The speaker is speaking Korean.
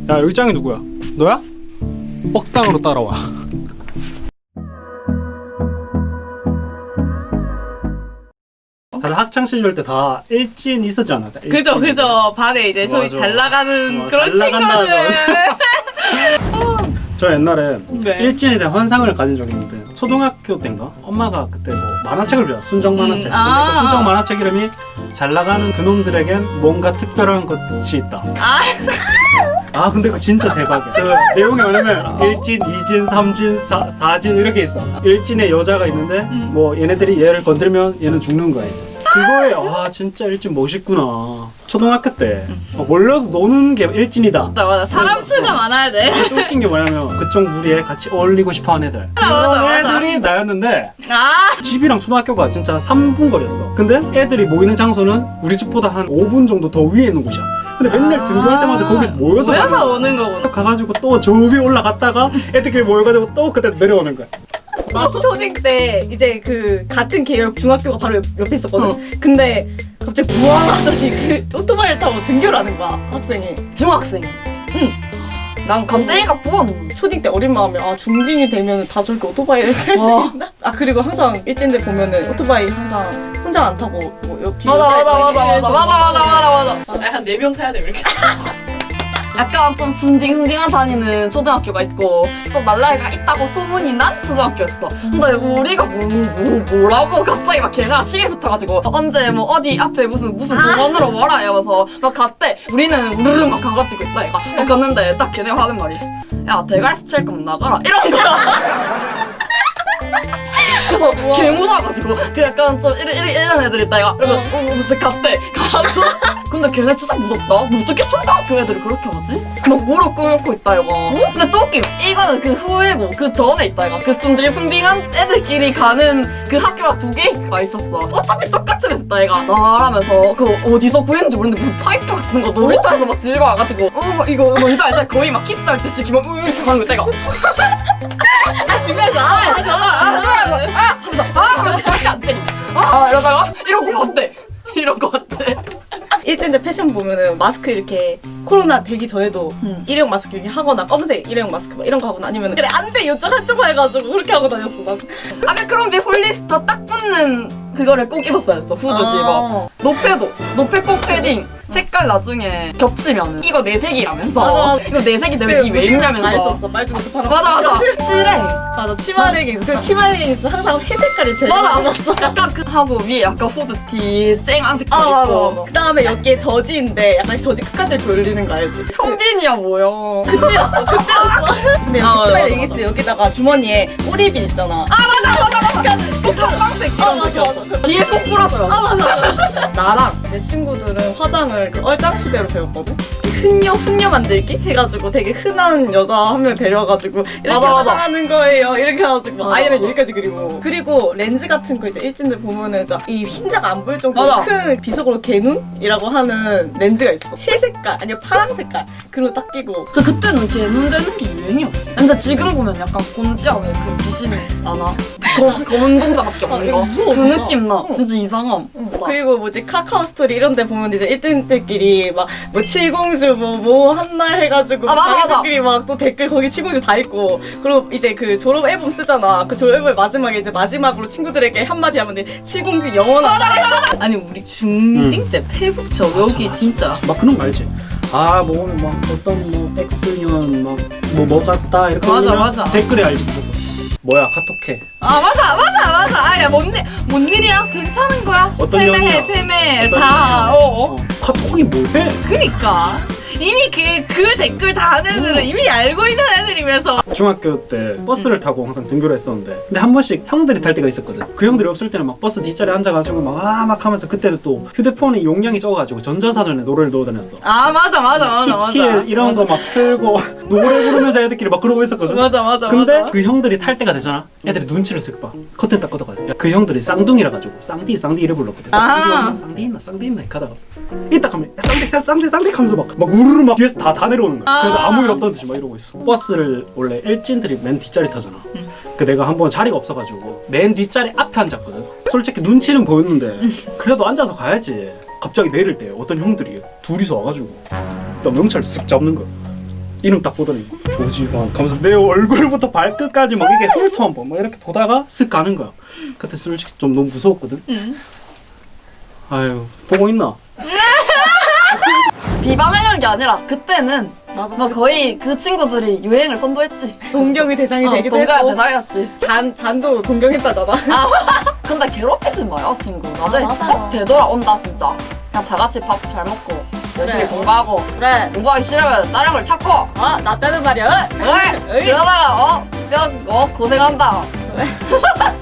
야 여기 짱이 누구야? 너야? 뻑상으로 따라와. 다들 학창 시절 때 다 일진 있었지 않아? 그죠. 반에 이제 소위 잘 나가는 그런 친구들. 저 옛날에 네. 일진에 대한 환상을 가진 적이 있는데 초등학교 때인가? 엄마가 그때 뭐 만화책을 배웠어. 순정 만화책. 근데 그 순정 만화책 이름이 잘 나가는 그놈들에겐 뭔가 특별한 것이 있다. 아 근데 그거 진짜 대박이야. 그 내용이 뭐냐면 일진, 이진, 삼진, 사진 이렇게 있어. 일진에 여자가 있는데 뭐 얘네들이 얘를 건드리면 얘는 죽는 거야. 그거에 와 진짜 일진 멋있구나. 초등학교 때 몰려서 노는 게 일진이다. 맞아. 사람 수가 많아야 돼. 또 웃긴 게 뭐냐면 그쪽 무리에 같이 어울리고 싶어하는 애들. 그런 애들이 나였는데 집이랑 초등학교가 진짜 3분 거리였어. 근데 애들이 모이는 장소는 우리 집보다 한 5분 정도 더 위에 있는 곳이야. 근데 맨날 등교할 때마다 거기서 모여서 오는 거구나. 가가지고 또 저 위에 올라갔다가 애들끼리 모여가지고 또 그때 내려오는 거야. 나 초딩 때 이제 그 같은 계열 중학교가 바로 옆에 있었거든. 근데 갑자기 부활하더니 그 오토바이를 타고 등교를 하는 거야, 학생이. 중학생. 응. 난 갑자기가 부었네. 초딩 때 어린 마음에 중딩이 되면 다 저렇게 오토바이를 탈 수 있나? 그리고 항상 일진들 보면은 오토바이 항상 혼자 안 타고 뭐 옆 뒤에 맞아. 한 4명 타야 돼 이렇게. 약간 좀 순딩순딩한 다니는 초등학교가 있고 좀 날라이가 있다고 소문이 난 초등학교였어. 근데 우리가 뭐라고 갑자기 막 걔네랑 시비 붙어가지고 언제 뭐 어디 앞에 무슨 공원으로 뭐라 이러면서 막 갔대. 우리는 우르르 막 가가지고 있다 얘가 막 갔는데 딱 걔네가 하는 말이 야 대갈수 칠 거면 나가라 이런 거야. 그래서 개 무서워가지고 그 약간 좀 이런 애들 있다 얘가 그래서 무슨 갔대 가고 근데 걔네 진짜 무섭다. 뭐 어떻게 초등학교 애들이 그렇게 하지? 막 무릎 꿇고 있다 이거. 근데 또 웃김 이거는 그 후에고 그 전에 있다 이거. 그 순딩순딩한 애들끼리 가는 그 학교가 2개가 있었어. 어차피 똑같이 했다 얘가 나라면서 그 어디서 구했는지 모르는데 무슨 파이프 같은 거 놀이터에서 막 들고 와가지고 막 이거 뭔지 알지? 거의 막 키스할 듯이 막 이렇게 가는 거 있다 이거. 주변에서 하면서 절대 안 때리고 이러다가 이런 거 같대. 일진들 패션 보면은 마스크 이렇게 코로나 되기 전에도 일회용 마스크 이렇게 하거나 검은색 일회용 마스크 막 이런 거 하거나 아니면 그래 안돼 이쪽 한쪽 해가지고 그렇게 하고 다녔어 난. 아베크롬비 홀리스터 딱 붙는 그거를 꼭 입었어야 했어. 후드지 뭐. 노페 꼭 패딩 색깔 나중에 겹치면 이거 내 색이라면서. 맞아. 이거 내 색이 되면 이게 왜 입냐면서. 다 했었어. 말도 못하는 맞아. 칠해. 맞아. 치마 레깅스. 그 치마 레깅스 항상 회색깔이 제일 맞아. 많았어. 약간 그 하고 위에 약간 후드티 쨍한 색깔 입고. 그 다음에 여기에 저지인데 약간 저지 끝까지 돌리는 거 알지? 현빈이야 뭐야. 그때였어. 근데 여기 치마 레깅스 여기다가 주머니에 꼬리빗 있잖아. 꼭 형광색 이런 거 껴서. 뒤에 꼭 뿌려줘요. 맞아. 나랑 내 친구들은 화장을 그 얼짱시대로 배웠거든? 훈녀 만들기 해가지고 되게 흔한 여자 한 명 데려와가지고 이렇게 맞아. 화장하는 거예요 이렇게 해가지고 막 맞아. 아이라인 여기까지 그리고 렌즈 같은 거 이제 일진들 보면은 이 흰자가 안 보일 정도로 맞아. 큰 비속으로 개눈이라고 하는 렌즈가 있어. 회색깔 아니면 파란 색깔 그리고 딱 끼고 그때는 개눈 되는 게 유행이었어. 근데 지금 보면 약간 곤지암에 그 귀신 나나? 검은 동자밖에 없는 거. 무서워, 그 진짜. 느낌 나. 진짜 이상함. 그리고 뭐지 카카오 스토리 이런 데 보면 이제 1등들끼리 막 뭐 칠공주 뭐 한날 해가지고 맞아. 자기들끼리 막 또 댓글 거기 칠공주 다 있고 그리고 이제 그 졸업 앨범 쓰잖아. 그 졸업 앨범 마지막에 이제 마지막으로 친구들에게 한마디 하면 돼. 칠공주 영원하다. 아니 우리 중딩 때 페북 여기 진짜. 막 그런 거 알지? 막 어떤 뭐 X년 뭐 같다 이렇게 맞아, 올리면 맞아. 댓글에 알지 무조건. 뭐야 카톡해. 맞아. 아야 뭔 일이야? 괜찮은 거야? 어떤 패매 어떤 다. 카톡이 뭐해? 그니까 이미 그 댓글 다 하는 애들은 이미 알고 있는 애들이면서. 중학교 때 버스를 타고 항상 등교를 했었는데 근데 한 번씩 형들이 탈 때가 있었거든. 그 형들이 없을 때는 막 버스 뒷자리에 앉아가지고 막 하면서 그때는 또 휴대폰이 용량이 적어가지고 전자사전에 노래를 넣어 다녔어. 맞아. TTL 이런 거 막 틀고 노래 부르면서 애들끼리 막 그러고 있었거든. 맞아. 근데 그 형들이 탈 때가 되잖아. 애들이 눈치를 쓱 봐. 커튼 딱 걷어가지고 그 형들이 쌍둥이라 가지고 쌍디 이래 불렀거든. 쌍디 있나 이렇게 하다가 이따 가면 쌍디 하면서 막 우르르 막 뒤에서 다 내려오는 거야. 그래서 아무 일 없다는 듯이 막 이러고 있어. 버스를 원래 일진들이 맨 뒷자리 타잖아. 그 내가 한번 자리가 없어가지고 맨 뒷자리 앞에 앉았거든. 솔직히 눈치는 보였는데 그래도 앉아서 가야지. 갑자기 내릴 때 어떤 형들이 둘이서 와가지고 나 명찰 쓱 잡는 거야. 이름 딱 보더니 조지환 하면서 내 얼굴부터 발끝까지 막 이렇게 훑어 한번 막 이렇게 보다가 쓱 가는 거야. 그때 솔직히 좀 너무 무서웠거든. 아유 보고 있나? 비방하려는 게 아니라 그때는 맞아. 막 거의 그 친구들이 유행을 선도했지. 동경의 대상이 되기도 동가야 했고 대상이었지. 잔도 동경했다잖아. 근데 괴롭히지 마요 친구. 나중에 맞아. 꼭 되돌아온다 진짜. 그냥 다 같이 밥 잘 먹고 열심히 그래. 공부하고 그래. 공부하기 싫으면 다른 걸 찾고 나 때는 말이야. 왜? 에이. 그러다가 그냥 고생한다.